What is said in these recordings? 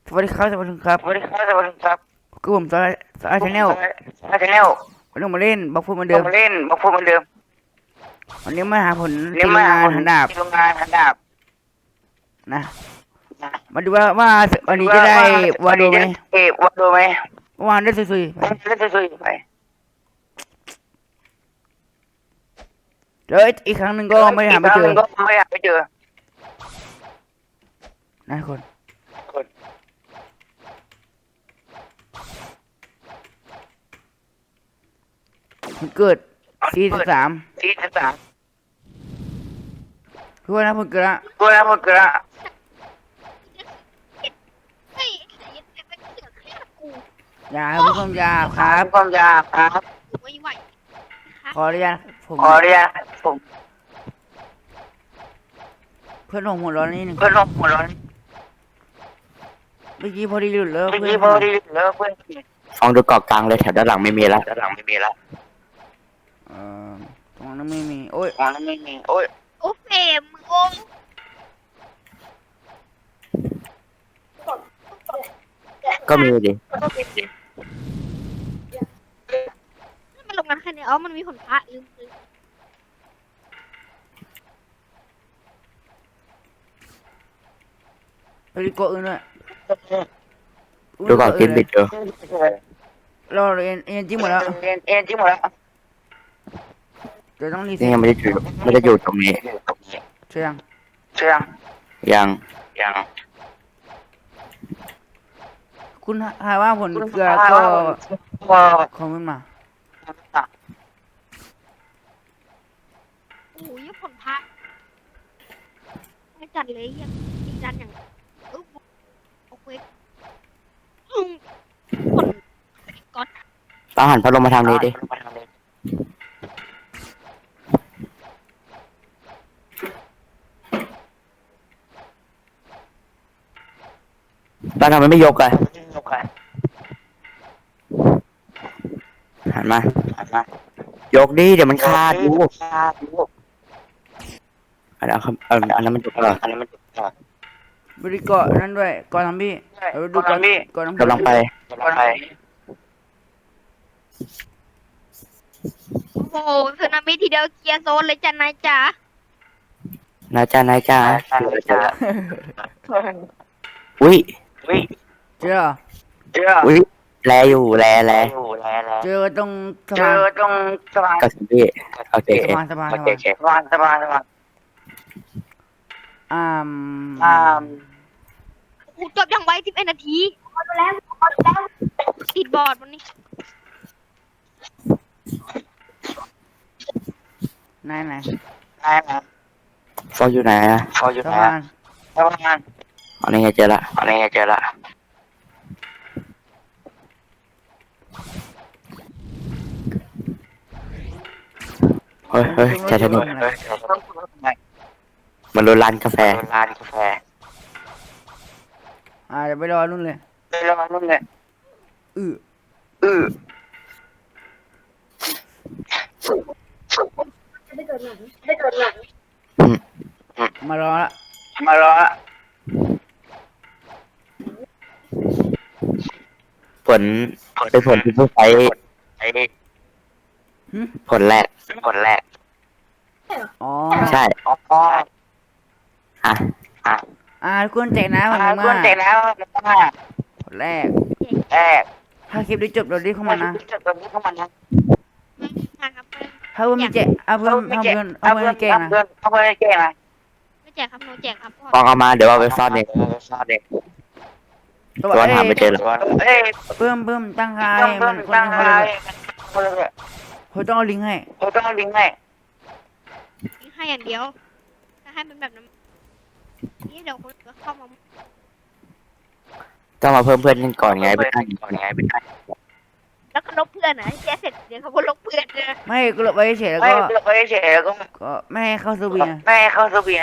สวัสดีครับสวัสดีครับสวัสดีครับสวัสดีครับก็ผมสายชาแนลชาแนลวันนี้มาเล่นบล็อกฟุตเหมือนเดิมเรามาเล่นมาพูดเหมือนเดิมวันนี้มาหาผลเรียที่โรงงานกมาคนหันดาบที่โรงงานหันดาบนะนะมาดูว่าวันนี้ว่าจะได้ว่าวาโดไหมวันนี้จะเก็บวัดดูไหมวานได้สุยๆไปเล่นสวยๆไปแล้วอีกครั้งหนึ่งก็ไม่ได้หาไม่เจออีกครั้งหนึ่งก็ไม่อยากไปเจอนะคนคนมันเกิด43 ที่สามทุกคนนะผมเกิดละกูแล้วมึงกระเฮ้ยไอ้ยันไอ้เป็นเสือกฆ่ากูอย่าครับผู้ชมอย่าครับความยาวครับไม่ไหวนะคะขออนุญาตผมขอเรียนผมเพื่อนผมหัวร้อนนิดนึงเพื่อนร่วมหัวร้อนเมื่อกี้พอดีหลุดแล้วเมื่อเพื่อกี้นพอดีแล้วเพื่อนฟังดูเกาะกลางเลยแถวด้านหลังไม่มีแล้วด้านหลังไม่มีแล้วเอ่อตรงนั้นไม่มีโอ้ยมองนั้นไม่มีโอ้ยโอ้เฟรมมึงงงก็มีดิมันลงกันแค่นี้อ๋อมันมีผลพระลืมไปดีกว่าอื่นด้วยดูเกาะกินบิดอยู่เราเรียนจริงหมดแล้วเอ็นจริงหมดแล้วเดี๋ยวต้องรีเซ็นี่ตยังไม่ได้อยู่ตรงนี้ใช่ยังเชื่องยังยังคุณหาว่าผลเกลือก็คอมเมนต์มาโอ้ยผลพระไม่จัดเลยยังดีจันอย่างโอเคผลก๊อตต้องหันพัดลมมาทางนี้ดิบ้านทำไมไม่ยกอะหันมา ยกดิเดี๋ยวมันขาดดูอันนั้นมันยกเหรอบริเกาะนั่นด้วยก่อนทำพี่เราดูก่อนก่อนกำลังไปโอ้โหสึนามิทีเดียวเคลียร์โซนเลยจ้ะนายจ๋านายจ้าอุ้ยเจออุ้ยแลอยู่แลเจอตรงสะเจพานอตรงสะพานกับสิพี่โอเคสะพานสะพานอ่ากูจบอย่างไว11 นาทีติดบอร์ดวันนี้ไหนได้ไหมฟออยู่ไหนอะพออยู่สะไหนพานสะพานอันนี้ไงเจอละอะไรเจอละเฮ้ยไททานิคมันรุนร้านกาแฟร้านกาแฟเดี๋ยวไปรอนู่นเลยไปรอนู่นเลยอืออือมารอละมารอผลเป็นผลที่ผู้ใช้ไอ้ผลแรกคนแรกอ๋อใช่อ๋ออ่ะทุกคนแจกนะผมกวนมาเจ็บแล้วมาคนแรกแรกถ้าคลิปได้จบเราได้เข้ามานะจุดตรงนี้เข้ามานะนะครับถ้าเพื่อนมีแจกเพื่อนให้แกงนะเพื่อนเอาเพื่อนให้แกงนะไม่แจกครับโนแจกครับลองเอามาเดี๋ยวเอาไปซ่อนเองซอเด็กตัวหาไม่เจอหรอกเอ้ยเพิ่มตั้งค่าต้องมันคนตั้งเขาใจเลยเขาต้องเอาลิงก์ให้เขาต้องลิงก์ให้ให้อย่างเดียวถ้าให้เป็นแบบนั้นนี่เดี๋ยวคนก็เข้ามาต้องมาเพิ่มเพื่อนกันก่อนไงไปตั้งก่อนไงเป็นแล้วก็ลบเพื่อนนะแกเสร็จเดี๋ยวเขาก็ลบเพื่อนเลยไม่ก็ลบไว้เฉยแล้วไม่ก็เราไม่เฉยแล้วก็ไม่ให้เข้าสวีนะไม่เข้าสวีนะ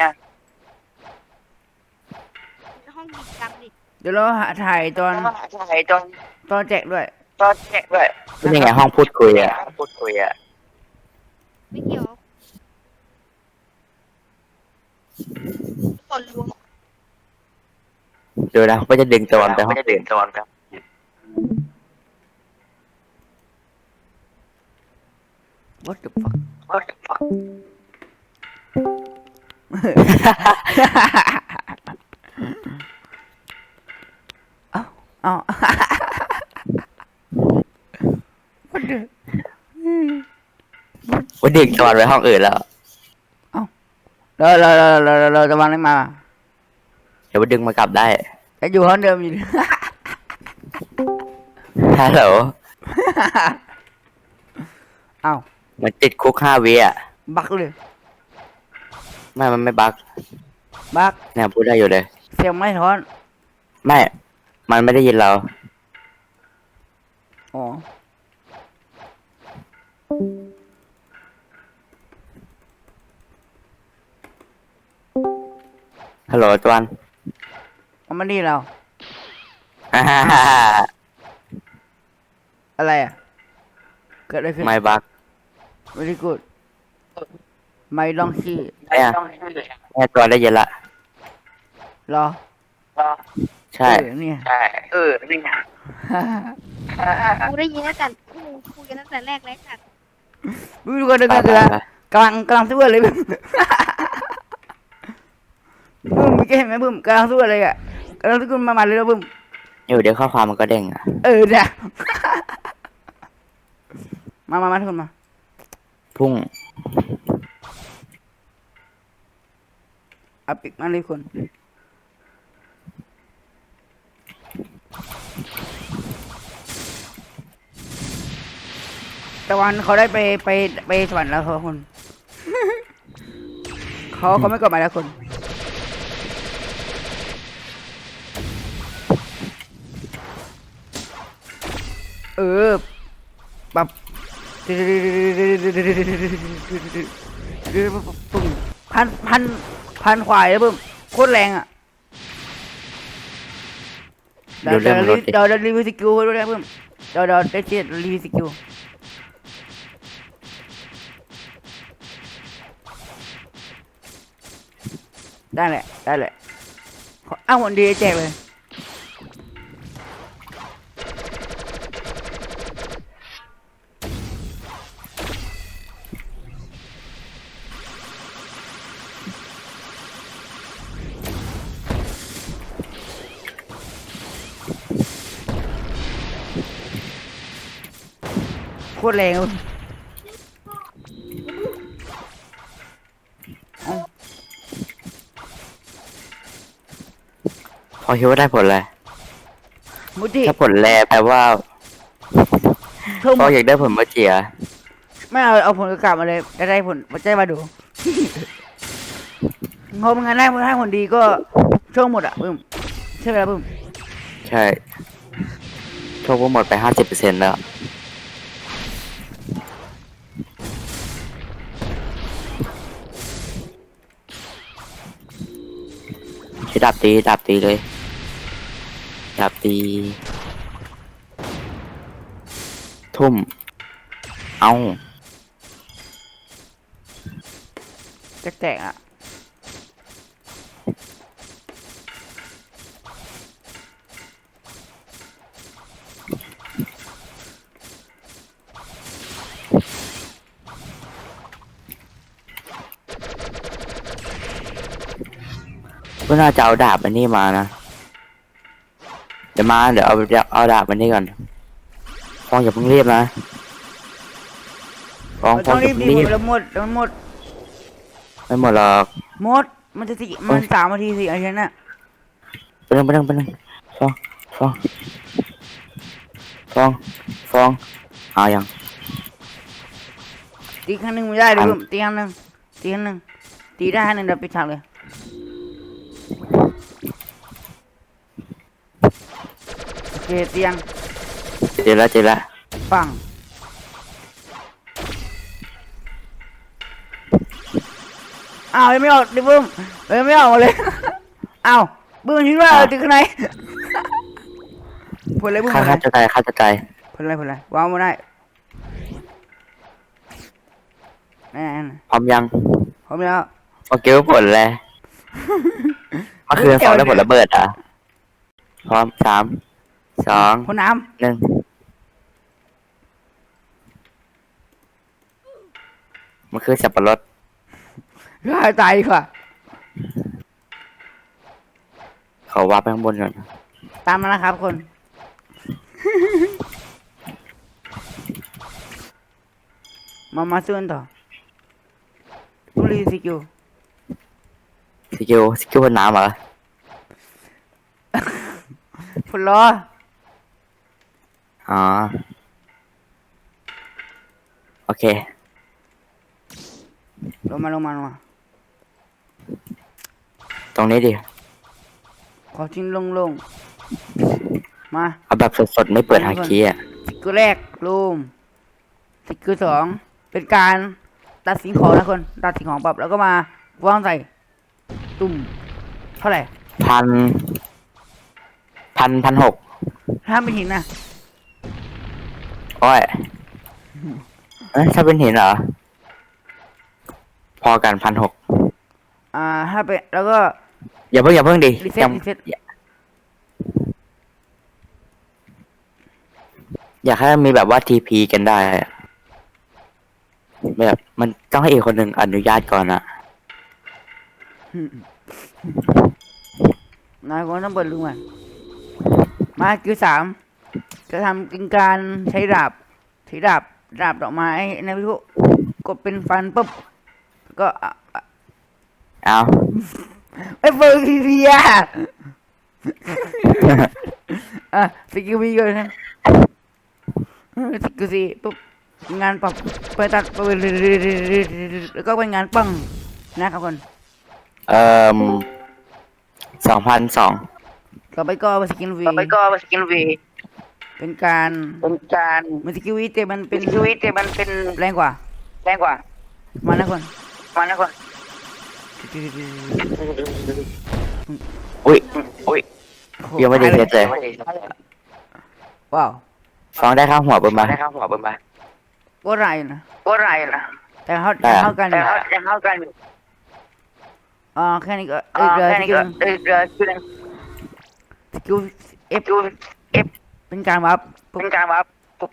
ห้องกิจกรรมดิเดี๋ยวเราถ่ายตอนใช่ตอนแจกด้วยแจกด้วยเป็นยังไงห้องพูดคุยอ่ะพูดคุยอ่ะไม่เกี่ยวผลรวมดูนะว่าจะดึงตะวันไปห้องไม่ได้เดินตอนครับ what the fuck What the fuck เอา what the ว่าดึงตะวันไปห้องอื่นแล้วเราจะวางได้มาเดี๋ยวว่าดึงมากลับได้แต่อยู่ห้องเดิมอยู่ฮัลโหลเอ้ามันติดคุก5 วิอ่ะบักเลยไม่มันไม่บักบักเนี่ยพูดได้อยู่เลยเสียงไม่ท้อนไม่ มันไม่ได้ยินเราอ๋อฮัลโหลตะวันมันไม่ดีเราอ่าฮ่าฮ่าฮ่าอะไรอ่ะ เกิดอะไรขึ้นไม่บัก very good ไม่ลองขี้เนี่ยต้องชื่อแม่ตัวได้ยินละรอก็ใช่เนี่ยใช่นี่นะกูได้ยินตั้งแต่กูคุยกันตั้งแต่แรกแล้วกันบึ้มดูกันดูไปกันไปดูกันไปกำลังสู้อะไรบึ้มบึ้มเมื่อกี้เห็นไหมบึ้มกำลังสู้อะไรอ่ะกำลังสู้กันมาเลยแล้วบึ้มอยู่เดี๋ยวข้อความมันก็เด้งอ่ะเนี่ยมาทุกคนมาพุ่งเอาปิกมาเลยคนตะวันเขาได้ไปสวรรค์แล้วเขาคน เขาไม่กลับมาแล้วคนปรับปุ่มพันควายแล้วปุ่มโคตรแรงอ่ะเดี๋ยวรีวิวสกิลด้วยนะปุ่มเดี๋ยวได้เช็ดรีวิวสกิลได้แหละอ้าววันดีแจกเลยโคตรแรงเลยเอ้าพอคิดว่าได้ผลเลยมุจิถ้าผลแรแปลว่าเพิ่มพออยากได้ผลเมื่อเจียไม่เอาผลกลับมาเลยได้ผลใจมาดู งมงานได้ผลดีก็ช่วงหมดอ่ะบึ้มใช่ไหมล่ะบึ้มใช่โชคว่าหมดไป50%แล้วใช้ดาบตีเลยดาบตีทุ่ม เอาแจกอ่ะก็น่าจะเอาดาบมันนี่มานะ เดี๋ยวเอาดาบมันนี่ก่อนฟองอย่าเพิ่งรีบนะฟองต้องอรีย่าบเพิ่งดีรีบแล้วหมดไม่หมดหรอกมันจะมัน3 นาที4 นาทีน่ะไปนึงฟองเอายังตีครั้งหนึ่งไม่ได้เลยบึ้มตีครั้งหนึ่งตีได้ครั้งหนึ่งเดี๋ยวปิดฉากเลยโอเคเตียงเจอแล้วฟังอ้าวยังไม่ออกดิบึ้มยังไม่ออกมาเลย อ้าวบึ้มคิดว่าตีข้างในผลอะไรบึ้มข้าจะตายผลอะไรวางมาได้นั่นพร้อมยังพร้อมแล้วโอเคว่าผล แล้วเมื่อคืนฟองได้ผลระเบิดอ่ะพร้อมสามสองพ่นน้หนึ่งมันคือสับปะรดำฆ่าตายดีกว่าเขาวับไปข้างบนก่อนตามมานะครับคน มาสู้กันต่อตุลีสิกิวสกิลบนน้ำเหรอพลล้ออ๋อโอเคลงมาตรงนี้ดิขอทิ้งลงมาเอาแบบสดๆไม่เปิดฮาคีอ่ะสกิลแรกลูมสกิลสองเป็นการตัดสินของนะคนตัดสินของปรับแล้วก็มาวางใส่ตุ่มเท่าไหร่ 1,600 ถ้าเป็นหินนะโอ้ยถ้าเป็นหินเหรอ พอกัน1,600 ถ้าเป็นแล้วก็อย่าเพิ่งดิรีเซ็ตยังรีเซ็ตอยากให้มีแบบว่าทีพีกันได้อะแบบมันต้องให้อีกคนหนึ่งอนุญาตก่อนอะนายคนต้องเปิดลุงมันมาสกิลสามจะทำเป็นการใช้ดาบดาบดอกไม้นะพี่พวกกดเป็นฟันปุ๊บก็เอาไอ้เฟิร์นเพียสกิลวีก่อนนะสกิลสี่ปุ๊บงานปรับไปตัดไปแล้วก็เป็นงานปังนะครับคน 2,200 ต่อไปก็สกิลวีต่อไปก็สกินวีเป็นการ มันสกิลวีแต่มันเป็นชีวิตแต่มันเป็นแรงกว่าแรงกว่ามานะคนมันนะคนอุ้ยโหยังไม่ได้เสร็จเลยว้าวฟ้องได้ข้างหัวเบิ่มมาได้ครับหัวเบิ่มไปก็ไรนะก็ไรนะแต่เขาได้อะเท่ากันอแต่ยู่เขาจะเข้ากันอยู่แค่นี้ก็แค่นี้ก็เรือชื่อสกิลเอฟดูเอฟเป็นการวับเป็นการว่าปุ๊บ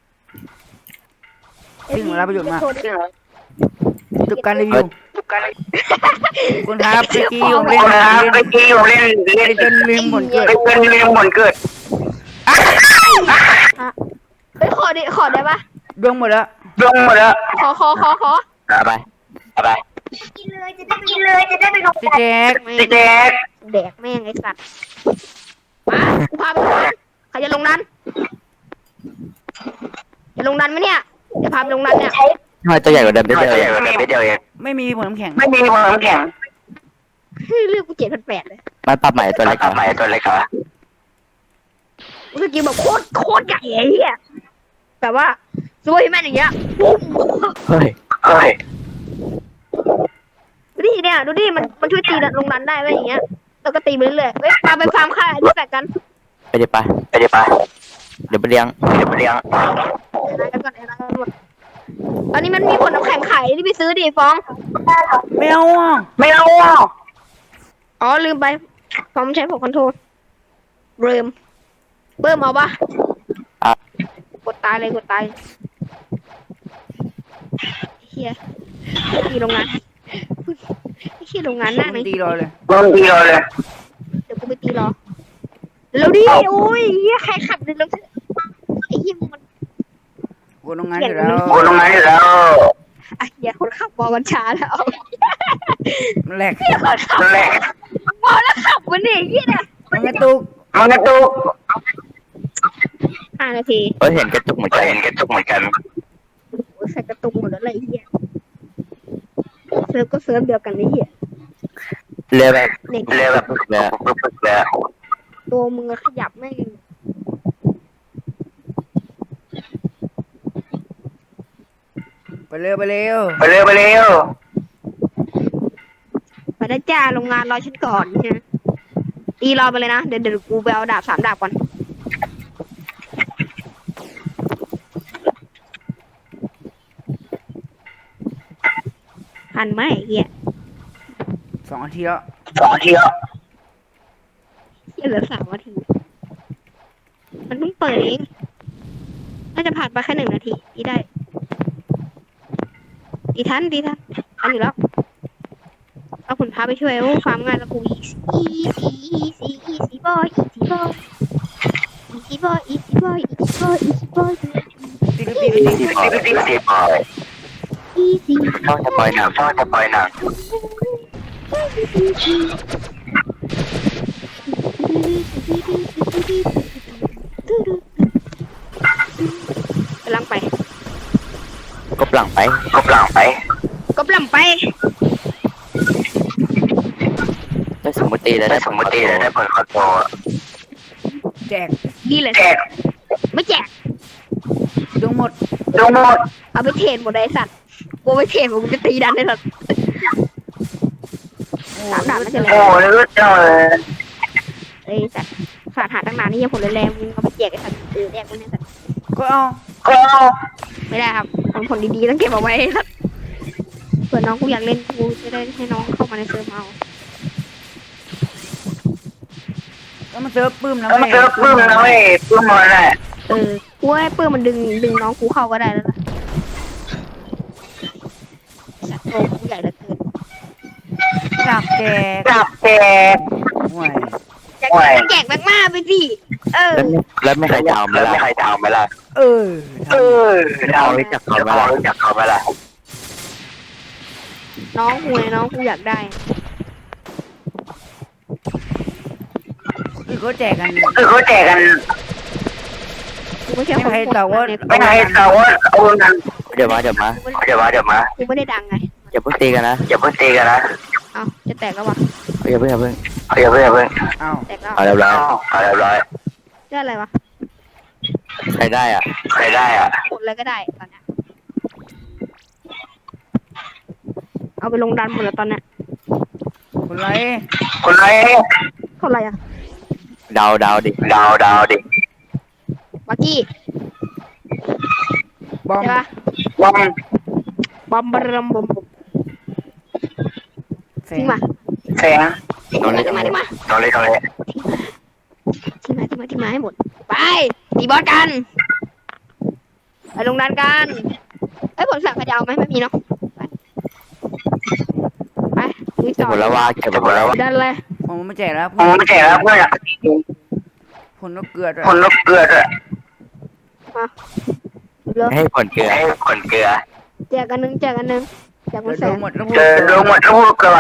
ซึ่งรับประโยชน์มากซึ่งจบการรีวิวทุกการเลยคุณครับเมื่อกี้ผมเล่นครับเมื่อกี้ผมเล่นจนลืมหมดเกิดเป็นเรื่องหมดเกิดเฮ้ยขอได้ปะดวงหมดแล้วดวงหมดแล้วขอเอาไปกินเลยจะได้ไปลงพี่แจ๊คพี่แจ๊คแดกแม่งไอ้สัตว์มากูพาไปลงนั้นใครจะลงนั้นจะลงนั้นไหมเนี่ยจะพาไปลงนั้นเนี่ยทำไมตัวใหญ่กว่าเดิมไม่เดียวเดีเองยวไม่เดียวเองไม่มีผลน้ำแข็งไม่มีความน้ำแข็งเลือกกู7,800เลยมันปรับใหม่ตัวเล็กต่อไปตัวเล็กเหรอกูสกิลแบบโคตรใหญ่ไอ้เหี้ยแต่ว่าสวยแม่นอย่างเงี้ยปุ๊บเฮ้ยเฮ้ยดูดิเนี่ยดูดิมันช่วยตีลงนั้นได้ไหมอย่างเงี้ยแล้วก็ตีไปเรื่อยๆเฮ้ยพาไปฟาร์มค่าที่แปดกันไปดิไปไปดิไปเดี๋ยวไปเลี้ยงเดี๋ยวไปเลี้ยงตอนนี้มันมีผลน้ำแข็งไข่ที่ไปซื้อดิฟองไม่เอาอ่ะไม่เอาอ่ะอ๋อลืมไปฟองใช้ผงคอนโทรลเบิ่มเอาปะอ่ะกดตายเลยเฮียที่โรงงานไอ้เฮียโรงงานหน้าไหนตีรอเลยโดนตีเลยเดี๋ยวกูไปตีรอแล้วดิโอ้ยเฮียใครขับเดินลงไอ้เฮียมันกูทำงานอยู่แล้วโอ้ตรงนั้นอยู่แล้วไอ้เฮียคนขับบอกกันช้าแล้วมันแหลกเฮียคนขับนั่นแหละบอกแล้วขับวันนี้เฮียเนี่ยมันกระตุกมันกระตุก 5 นาทีเฮ้ยเห็นกระตุกเหมือนกันเห็นกระตุกเหมือนกันโอ้ยใส่กระตุกหมดแล้วเลยไอ้เฮียเซิร์ฟก็เซิร์ฟเดียวกันไอ้เฮียเรือแบบเด็กเร็วแบบเรือปึ๊บเลยตัวมึงอะขยับไม่งไปเร็วไปเร็วไปเร็วไปได้จ้าโรงงานรอฉันก่อนใช่ไหมตีรอไปเลยนะเดี๋ยวกูไปเอาดาบ3 ดาบก่อนทันไหมไอ้เฮีย 2 นาทีแล้ว 2 นาทีแล้วเฮียเหลือ3 นาทีเปิดเองน่าจะผ่านไปแค่1 นาทีตีได้ตีทันทันอยู่แล้วเอาผลพาไปช่วยโอ้ฟาร์มง่ายแล้วกูอีซี่บอยตีปล่อยช่องจะปล่อยหนังกำลังไปกบหลังไปกบหลังไปได้สมมติแล้วได้ได้สมมติเลยได้ผลคอนโทรแจกดีเลยแจกไม่แจกดูหมดดูหมดเอาไปเทรดหมดเลยไอ้สัตว์กูไปเทรดผมจะตีดันไอ้สัตว์โอ้สามดาบไม่ใช่เลยโอ้ลึกจังเลยไอ้สัตว์ฝาดหาตั้งนานนี่ยังผลแรงมึงเอาไปแจกไอ้สัตว์แจกมันไอ้สัตว์ก็เอาก็ไม่ได้ครับผลดีๆต้องเก็บเอาไว้ไอ้สัตว์เผื่อน้องกูอยากเล่นกูจะได้ให้น้องเข้ามาในเซิร์ฟเอาแล้วมันเซิร์ฟปื้มนะแล้วมันเจอปื้มนะเว้ยปื้มมันแหละกูให้ปื้มมันดึงน้องกูเข้าก็ได้แล้วนะสัตว์โตกูใหญ่เหลือเกินอยากแจกจับแจกห่วยแจกมากๆไปสิแล้วไม่ใครจะเอาไหมแล้วล่ะไม่ใครทำไหมล่ะเออทำรู้จักเขาไหมล่ะน้องกูอยากได้คือเขาแจกกันคือเขาแจกกันกูไม่ใช่ไม่คนใครแต่ว่าไม่ให้เขาว่าเอาเงินเดี๋ยวมาเดี๋ยวมากูไม่ได้ดังไงอย่าเพิ่งตีกันนะอย่าเพิ่งตีกันนะเอาจะแตกแล้ววะอย่าเพิ่งอย่าเพิ่งเอ้าแตกแล้วเอาเรียบร้อยเอาเรียบร้อยได้อะไรวะใครได้อ่ะใครได้อ่ะกดอะไรก็ได้ตอนเนี้ยเอาไปลงดันหมดแล้วตอนเนี้ยคนไรคนไหนเท่าไหร่อะเดาดิดาวดิบักกี้บอมใช่ปะบอมบอมบรัมบอมแสทิ้งงมาแสงตรงนี้ทิ้งมาตรงเลยทิ้งมาให้หมดไปตีบอสกันไปลงดันกันเอ้ยผลสั่งใครจะเอาไหมไม่มีเนาะไปลุยเก็บต่อหมดแล้วว่าเก็บหมดแล้วดันเลยผมไม่แจกแล้วผมไม่แจกแล้วเพื่อนผลนกเกลือด้วยคนนกเกลือด้วยเลิกให้ผลเกลือให้คนเกลือแจกกันนึงแจกมันแสดูนหมดแล้วเจอดูหมดแล้วพวกเกลือ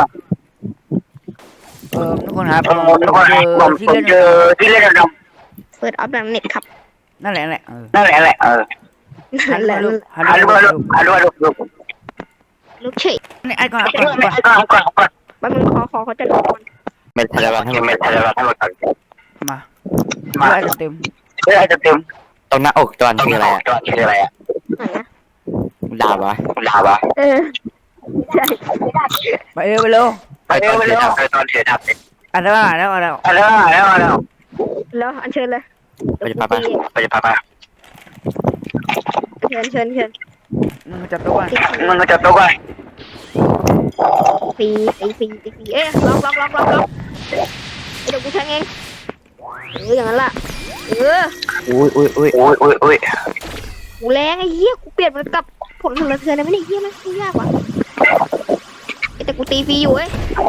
ทุกคนครับทุกคนผมเจอที่เล่นดำเปิดออฟดังเน็ตครับนั่นแหละนั่นแหละนั่นแหละฮัลโหลลูกเฉยนี่ไอ้ก่อนก่อนแป๊บนึงขอเขาจะดูก่อนเม็ดทะเลาะให้ยังหมไม่ดทันแล้วทั้งหมดมามาไอ้เต็มเพื่อจะเต็มตรงหน้าอกจอนคืออะไรอ่ะจอดคืออะไรอ่ะไหนนะดาบวะดาวะใช่ไปเร็วไปเร็วไปเร็วตอนเสียดับอ่ะแล้วแล้วแล้วอันเชิญเลยไปจะปะไปจะพาเชิญมึงจับตัวมันก็จะตัวกันฟรีเอ๊ะล็อกเดี๋ยวกูแทงเองอย่างนั้นล่ะอุ้ยกูแรงไอ้เหี้ยกูเปลี่ยนมันกับผลสะเทือนเลยไม่ได้เหี้ยมันยากว่ะแต่กูตีฟรีอยู่เว้ย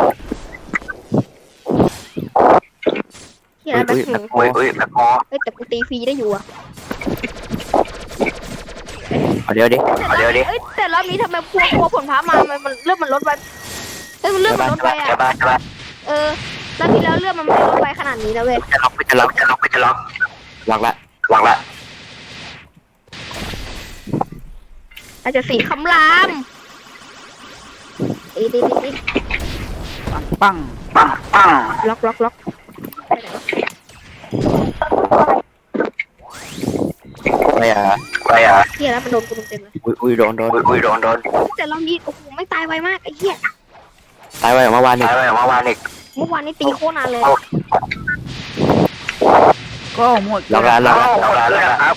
เหี้ยแบบแบบคอแต่กูตีฟรีได้อยู่อ่ะเดี๋ยวดิเอ้ยแต่รอบนี้ทำไมพวผลพามามันเลือดมันลดไปมันเลือดมันลดไปอ่ะจะบ้ารอบที่แล้วเลือดมันไม่ลดไปขนาดนี้นะเว้ยจะล็อกวางละวางละอาจจะสีคำรามตีปังล็อกไปอ่ะเฮียแล้วมันโดนกูเต็มเลยอุ้ยโดนแต่รอบนี้โอ้โหไม่ตายไวมากไอ้เหี้ยตายไปเมื่อวานนี่ตายไปเมื่อวานอีกเมื่อวานนี้ตีโคตรนานเลยก็หมดล็อกแล้วครับ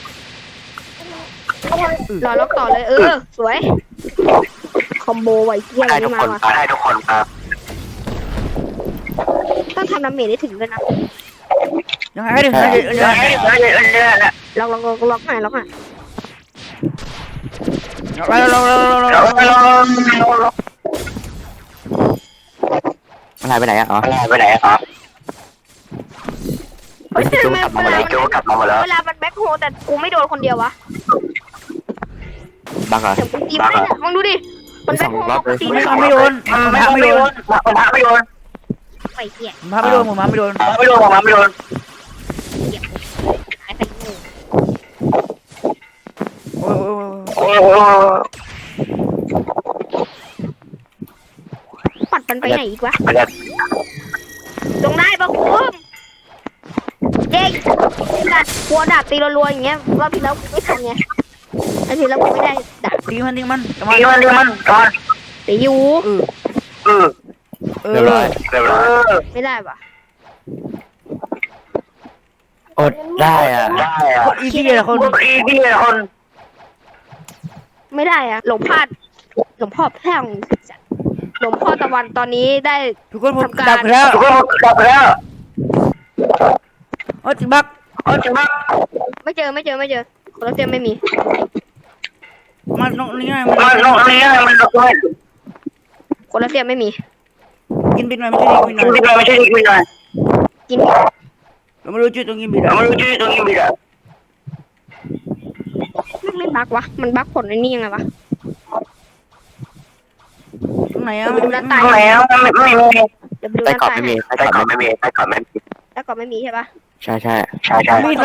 รอล็อกต่อเลยสวยคอมโบไวเหี้ยอะไรให้ทุกมาคนว่ะให้ทุกคนครับต้องทำดาเมจได้ถึงด้วยนะยังไงถึงเล็อกให้ไปเรามันหายไปไหนอ่ะอ๋อไปไหนครับเฮ้ยทำไมโจกลับมาหมดแล้วเวลามันแบ็คโฮแต่กูไม่โดนคนเดียววะบักเหรอเดี๋ยวกูตีไม่ได้มึงดูดิมันแบ็คโฮตีไม่ไม่โดนไม่โดนไม่โดนไปเหี้ยผมพาไม่โดนผมพาไม่โดนไม่โดนไม่โดนหายไปงูโอ้ยโอ้ปัดมันไปไหนอีกวะไปแล้วลงได้ปะคุณเย้ดัดกลัวดาบตีรัวๆอย่างเงี้ยรอบที่แล้วกูไม่ทันไงรอบที่แล้วกูไม่ได้ดาบตีมันดีมันก่อนตีอยู่เรียบร้อยไม่ได้ปะอดได้อ่ะได้อะคนอีซี่เลยคนพี่คนไม่ได้อะหลวงพ่อแท่งหลวงพ่อตะวันตอนนี้ได้ทุกคนผมดับแล้วทุกคนกลับแล้วโอ้จิบักจริงปะไม่เจอคนละเตียมไม่มีมันตรงนี้ไงมันลงอันนี้มันลงด้วยคนละเตียมไม่มีกินบินหน่อยไม่ใช่กินบินหน่อยที่เราไม่ใช่ที่คุยหน่อยกินเราไม่รู้จุดตรงกินบินเราอ่ะไม่รู้ชื่อตรงนี้มีอะไม่บักวะมันบักผลไอ้นี่ยังไงวะตรงไหนอ่ะดูด้านใต้ตรงไหนอ่ะไม่มีเดี๋ยวไปดูใต้ด้านกรอบใต้ไม่มีใต้ก่อนไม่มีใต้ก่อนไม่มีแล้วก็ไม่มีใช่ปะใช่ใช่ใช่ใช่มีด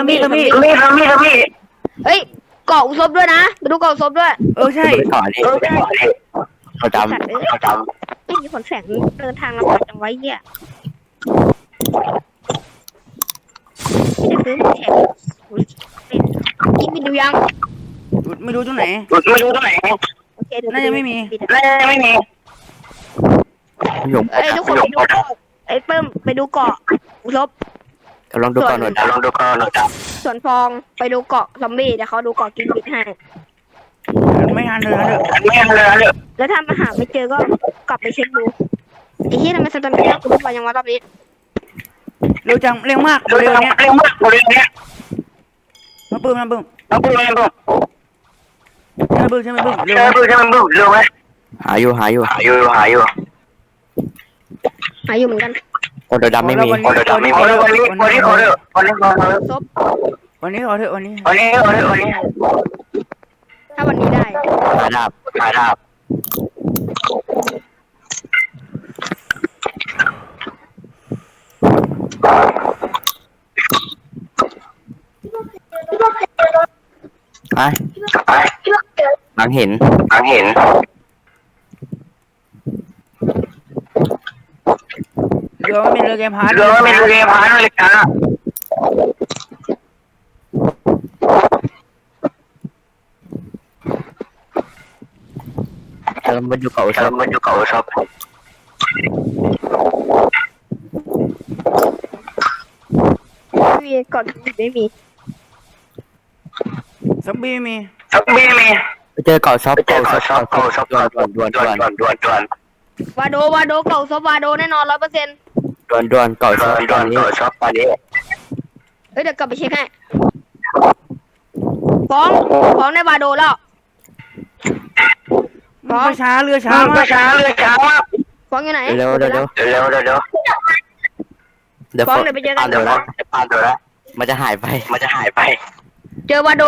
เฮ้ยเกาะอุศบด้วยนะไปดูเกาะอุศบด้วยใช่ไปก่อนดิเขาจสัตว์เอ้ยเขาจไม่มีผลแสงเดินทางลำบากจังไว้เหี้ยไม่ได้ซื้อผลแสงกินบินดูยังไม่รู้ตรงไหนำไม่รู้ตรงไหนโอเคดูน่าจะไม่มีไม่มีำหยงเอ้ยทุกคนไปดูเกาะไอ้เปิ้มไปดูเกาะอุศบกำลังดูก่อนหน่อยลองดูก่อนหน่อยจ้ะส่วนฟองไปดูเกาะซอมบี้เดี๋ยวเขาดูเกาะกินบินให้ไม่ทันเลยนะไม่ยังเลยเลยแล้วถ้ามาหาไม่เจอก็กลับไปเช็คดูไอ้เหี้ยทำไมสตามิน่ากูลดไปยังวะรอบนี้เร็วจังเร็วมากเร็วเร็วเนี้ยมากเร็วเนี้ยมาปื้มต้องพูดอะไรบ้างใช่ไหมปื้มเร็วเร็วใช่ไหมบึ้มเร็วไหมหาอยู่หาอยู่หาอยู่เหมือนกันคนดำไม่มีคนเดียวไม่มีวันนี้ขอเถอะวันนี้ขอเถอะซบวันนี้ขอเถอะวันนี้วันนี้ถ้าวันนี้ได้หาดาบหาดาบไปไปหลังเห็นเห็นเรือไม่มีเรือเกมพาร์ทเรือไม่เรือพาเลยจ้ากำลังมาดูเก่าชเราอบมาอยู่เก่าชอบไม่มีเกาะกินบินไม่มีซอมบี้ไม่มีไม่มีไปเจอเก่าชอบเก่าชอบด่วนวาโดเกาะซบวาโดแน่นอน100% ด่วนเก่าชอบตอนนี้ชอบตอนนี้เฮ้ยเดี๋ยวกลับไปเช็คให้ฟ้องในวาโดแล้วฟ้องช้าเรือช้าช้ามากเรือช้ามากฟ้องอยู่ไหนเร็วเดี๋ยวฟ้องเดี๋ยวไปเจอกันเดี๋ยวนะมันจะหายไปเจอวาโด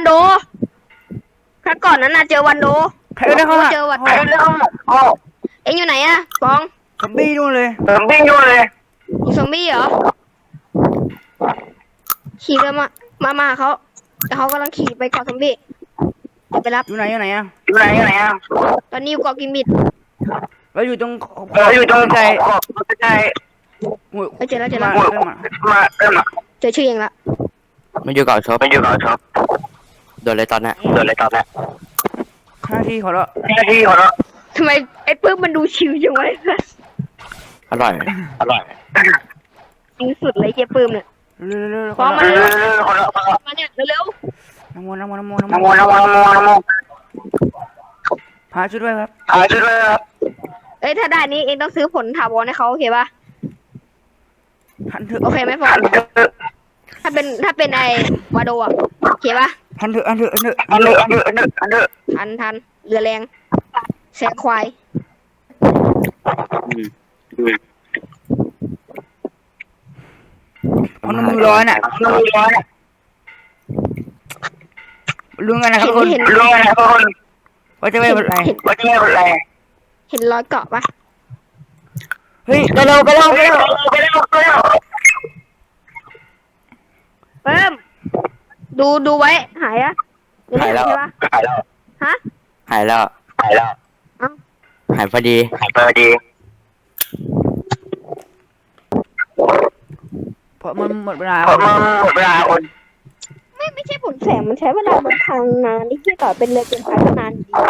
ครั้งก่อนนั้นน่ะเจอวันโดใครได้เข้ามาเจอวันไปเรื่องโอ้เอ็งอยู่ไหนอะฟ้องซอมบี้นู่นเลยผมวิ่งอยู่เลยอยู่ซอมบี้เหรอขี่เรือมาหาเขาแต่เขากำลังขี่ไปเกาะซอมบี้เดี๋ยวไปรับอยู่ไหนอ่ะอยู่ไหนอ่ะตอนนี้อยู่เกาะกิมบิดเราอยู่ตรงอยู่ตรงใจใจเจอแล้วมาเริ่มเจอชื่อเองละมันอยู่เก่าชอบมันอยู่กับชอบโดนอะไรตอนนี้โดนอะไรตอนนี้หน้าที่ขอละที่ขอรับทำไมไอ้ปื้มมันดูชิวจังวะอร่อยจริงสุดเลยเจ๊ปื้มเนี่ยเร็วๆฟ้องมาเร็วขอรับมาเนี่ยเร็วน้ำมันน้ำมันพาช่วยด้วยครับหาช่วยครับๆเอ้ยถ้าได้นี้เองต้องซื้อผลถาวรให้เขาโอเคป่ะทันเถอะโอเคไหมฟ้องถ้าเป็นไอ้วาโดอะโอเคปะทันเถอะทันเถอะทันเถอะอันเดอร์อันเดอร์อันเดอร์อันเดอร์ทันเรือแรงแซงควายอืมอืมเอาน้ำมือร้อนอ่ะน้ำร้อนอ่ะรู้กันนะครับทุกคนเห็นรู้ไหมทุกคนว่าจะไม่เป็นไรว่าจะไม่เป็นไรเห็นรอยเกาะปะเฮ้ยไปเร็วไปเร็วไปเร็วไปเร็วไปเร็วเพิ่มดูไว้หายอะยังไม่หายแล้วใช่ปะหายแล้วฮะหายแล้วหายแล้วเอ้าหายพอดีหายไปดีเพราะมันหมดเวลาเพราะมันหมดเวลาคนไม่ใช่ผลแสงมันใช้เวลาเดินทางนานนี่ที่ต่อเป็นเรือเกินไปก็นานดี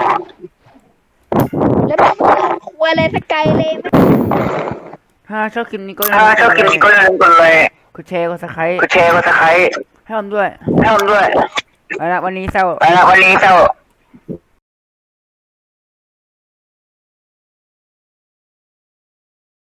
แล้วแบบคุยอะไรสกายเลยไหมถ้าชอบคลิปนี้ก็ถ้าชอบกินก็อย่าลืมกดเลยกดแชร์กดซับสไครต์กดแชร์กดซับสไครต์ให้ผมด้วยให้ผมด้วยเอาละวันนี้เศร้าไปละวันนี้เจ้า